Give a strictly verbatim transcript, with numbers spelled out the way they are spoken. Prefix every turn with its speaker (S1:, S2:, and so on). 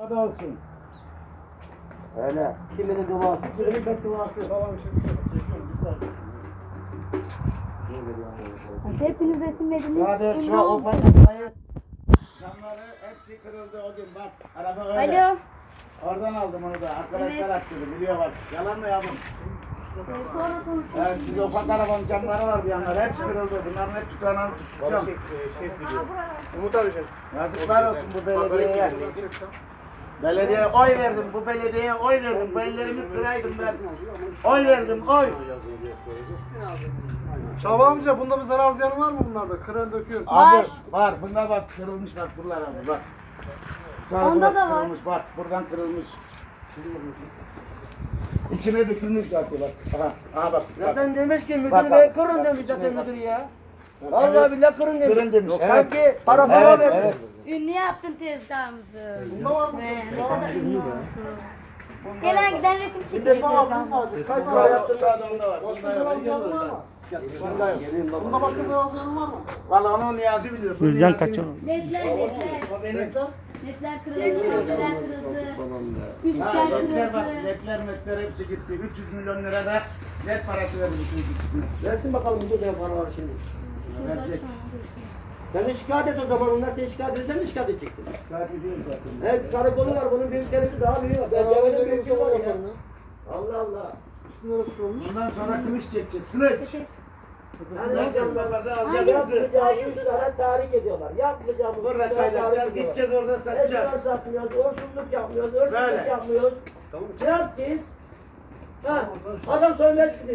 S1: Hadi olsun.
S2: Öyle. Kiminin duası, kiminin bedduası.
S1: Tamam şimdi çekiyorum bir saniye.
S3: Hepiniz resimlediniz.
S1: Hadi şu
S3: Bundan-
S1: o bacakları camları hepsi kırıldı o gün bak. Araba öyle.
S3: Alo.
S1: Oradan aldım onu da. Arkadaşlar
S3: Evet.
S1: attırdı biliyor bak. Yalan mı yavrum?
S3: Ee, Sonra konuşuruz.
S1: Evet siz ufak arabanın camları var bir yanlar. Hepsi kırıldı. Bunların hep tutanağını tutacağım.
S2: Umut abi sen.
S1: Yazıklar olsun bu belediyeye. Belediyeye oy verdim. Bu belediyeye oy verdim. Bu ellerimi kıraydım ben. Oy verdim oy.
S2: Şaban amca bunda bir zarar ziyanı var mı bunlarda? Kıran döküyor.
S1: Abi var. Bunda bak kırılmış bak buralar abi bak. Sonra
S3: Onda
S1: burası
S3: da var.
S1: kırılmış bak. Buradan kırılmış. İçine dökülmüş zaten bak. Aha, aha bak. bak.
S4: Zaten demiş ki
S1: Bak,
S4: müdür
S1: bak,
S4: bey kırın
S1: bak,
S4: demiş
S1: içine
S4: zaten
S1: bak.
S4: müdür ya.
S1: Evet.
S4: Vallahi billahi kırın demiş.
S1: Kırın demiş.
S4: Yok,
S1: Evet.
S4: sanki para falan
S1: Evet,
S4: verdi.
S1: evet.
S3: Ünlü yaptın tezgahımızı.
S2: Bunda var mı?
S3: Ve ne kadar ünlü oldu. Gelen giden resim çekiyor
S2: Defa aldın
S3: tezgahımızı.
S2: sadece. Kaç
S1: Sağda
S2: para yaptın?
S1: sağda onda var.
S2: Başka
S1: Bunda
S2: zarar
S1: yok.
S2: ziyanı var mı?
S1: Bunda yok.
S2: Bunda başka zarar ziyanı var mı?
S1: Valla onu Niyazi biliyor. Bu
S5: Gülcan
S1: Niyazi-
S5: kaçıyor.
S3: Ledler ledler.
S1: O benim.
S2: Reklam.
S3: Ledler kırıldı. Ledler kırıldı.
S1: Ha,
S3: Üstler
S1: ledler bak,
S3: kırıldı.
S1: ledler metler hepsi gitti. üç yüz milyon lira da led parası verdi bütün ikisine.
S4: Versin bakalım müdür bey para var şimdi.
S1: Verecek.
S4: Sen de şikayet et o zaman onlar seni şikayet edersen de şikayet edeceksin.
S1: Şikayet ediyorum zaten.
S4: Evet karakolu var bunun büyükleri daha büyük. Ben
S2: Ben
S4: cebede
S2: de
S4: büyük
S2: bir
S4: var ya.
S2: yaparım ya.
S4: Allah Allah.
S2: Üstüne nasıl kurulmuş?
S1: Bundan sonra kılıç çekeceğiz. Kılıç.
S4: Yani
S1: Vereceğiz babası alacağız bizi.
S4: yapmayacağımız işlere tahrik ediyorlar. Yapmayacağımız
S1: Burada
S4: işlere tahrik
S1: kaynatacağız.
S4: ediyorlar.
S1: Gideceğiz orada satacağız.
S4: Esrar satmıyoruz, hırsızlık yapmıyoruz, hırsızlık
S1: Böyle.
S4: yapmıyoruz. Ne yapacağız? Ha, adam söylemez ki